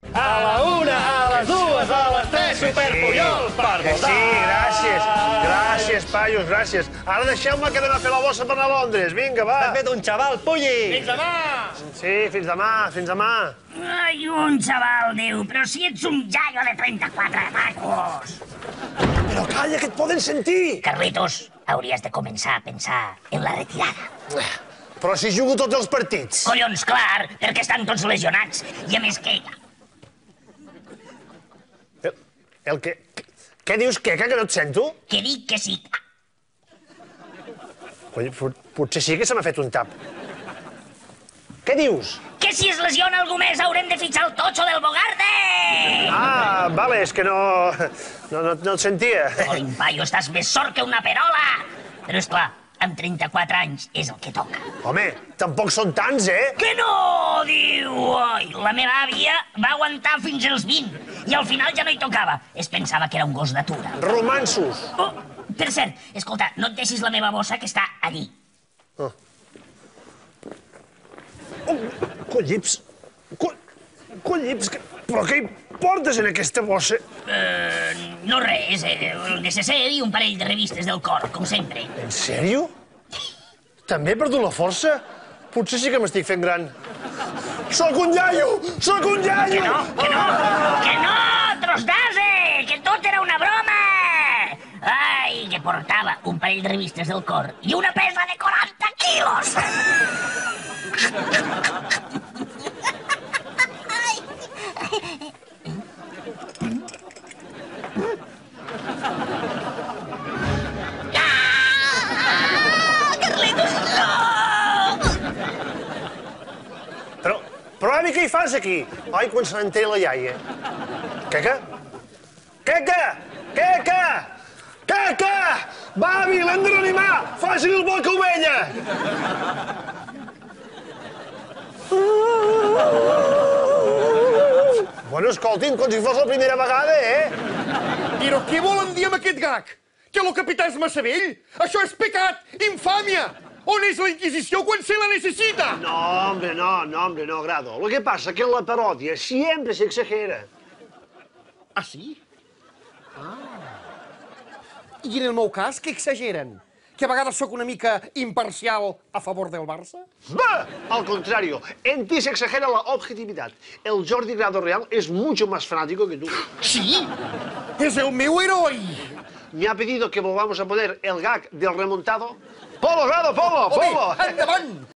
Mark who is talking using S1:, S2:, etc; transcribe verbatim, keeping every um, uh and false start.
S1: A la una, a les dues, a les tres, Superpuyol, per
S2: Que
S1: votar!
S2: sí, gràcies. Gràcies, paios, gràcies. Ara deixeu-me que anem a fer la bossa per anar a Londres. Vinga, va.
S1: T'ha fet un xaval, Pulli!
S3: Fins demà!
S2: Sí, fins demà, fins demà.
S4: Ai, un xaval, diu, però si ets un jaio de trenta-quatre tacos.
S2: Però calla, que et poden sentir.
S4: Carlitos, hauries de començar a pensar en la retirada.
S2: Però si jugo tots els partits.
S4: Collons, clar, perquè estan tots lesionats. I a més que...
S2: El, el que... Què dius, Queca, que no et sento?
S4: Que dic que sí.
S2: Coi, pot- potser sí que se m'ha fet un tap. Què dius?
S4: Que si es lesiona algú més haurem de fitxar el totxo del Bogarde!
S2: Ah, vale, és que no... No, no, no et sentia.
S4: Colin, paio, estàs més sort que una perola! Però, esclar, amb trenta-quatre anys és el que toca.
S2: Home, tampoc són tants, eh?
S4: Que no, diu! Oi, la meva àvia va aguantar fins als vint i al final ja no hi tocava. Es pensava que era un gos d'atura.
S2: Romansos.
S4: Oh, per cert, escolta, no et deixis la meva bossa que està allí.
S2: Oh, collips. Co... Collips, que... però què hi portes en aquesta bossa?
S4: Eh, no res, eh, el necessari i un parell de revistes del cor, com sempre.
S2: En sèrio? També he perdut la força? Potser sí que m'estic fent gran. Sóc un iaio! Sóc un iaio!
S4: Que no, que no, que no, tros d'ase, que tot era una broma! Ai, que portava un parell de revistes del cor i una pesa de quaranta quilos!
S2: Però, però, avi, què hi fas aquí? Ai, quan se n'entén la iaia. Queca? Queca! Queca! Queca! Va, avi, l'hem de reanimar! Faci el boca ovella! Bueno, escoltin, com si fos la primera vegada, eh?
S3: Però què volen dir amb aquest gag? Que el capità és massa vell? Això és pecat! Infàmia! On és la Inquisició quan se la necessita?
S2: No, hombre, no, no, hombre, no, Grado. Lo que pasa es que en la parodia siempre se exagera.
S3: Ah, sí? Ah. I en el meu cas, què exageren? Que a vegades sóc una mica imparcial a favor del Barça?
S2: ¡Bah! Al contrario, en ti se exagera la objetividad. El Jordi Grado real es mucho más fanático que tú.
S3: Sí? És el meu heroi!
S2: Me ha pedido que volvamos a poner el gag del remontado. ¡Polo, Grado, polo,
S3: Home,
S2: polo!
S3: endavant!